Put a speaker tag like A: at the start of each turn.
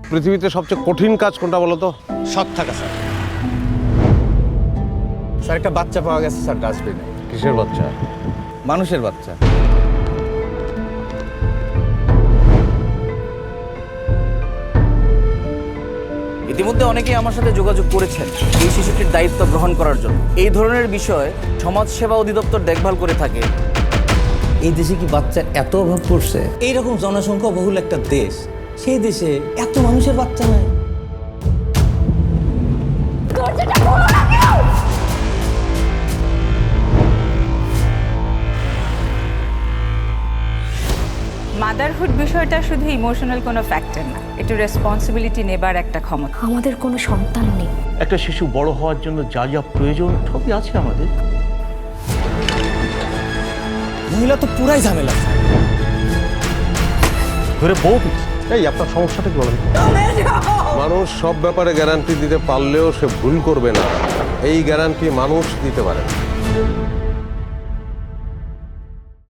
A: পৃথিবীতে সবচেয়ে কঠিন কাজ কোনটা বলো তো?
B: সৎ থাকা স্যার। স্যার একটা বাচ্চা পাওয়া গেছে স্যার ডাস্টবিনে।
A: কিসের বাচ্চা?
B: মানুষের বাচ্চা।
C: ইতিমধ্যে অনেকেই আমার সাথে যোগাযোগ করেছেন এই শিশুটির দায়িত্ব গ্রহণ করার জন্য। এই ধরনের বিষয় সমাজসেবা অধিদপ্তর দেখভাল করে থাকে।
D: এই দেশে কি বাচ্চার এত অভাব পড়ছে? এইরকম জনসংখ্যা বহুল একটা দেশ, সেই দেশে এত মানুষের বাচ্চা নাই।
E: মাদারহুড বিষয়টা শুধু ইমোশনাল কোনো ফ্যাক্টর না, একটু রেসপন্সিবিলিটি নেবার একটা ক্ষমতা।
F: আমাদের কোনো সন্তান নেই।
G: একটা শিশু বড় হওয়ার জন্য যা যা প্রয়োজন সবই আছে আমাদের।
D: মহিলা তো পুরাই ঝামেলা।
G: ঘরে বউ
A: এই আপনার সমস্যাটা কি বলেন? মানুষ সব ব্যাপারে গ্যারান্টি দিতে পারলেও সে ভুল করবে না, এই গ্যারান্টি মানুষ দিতে পারে না।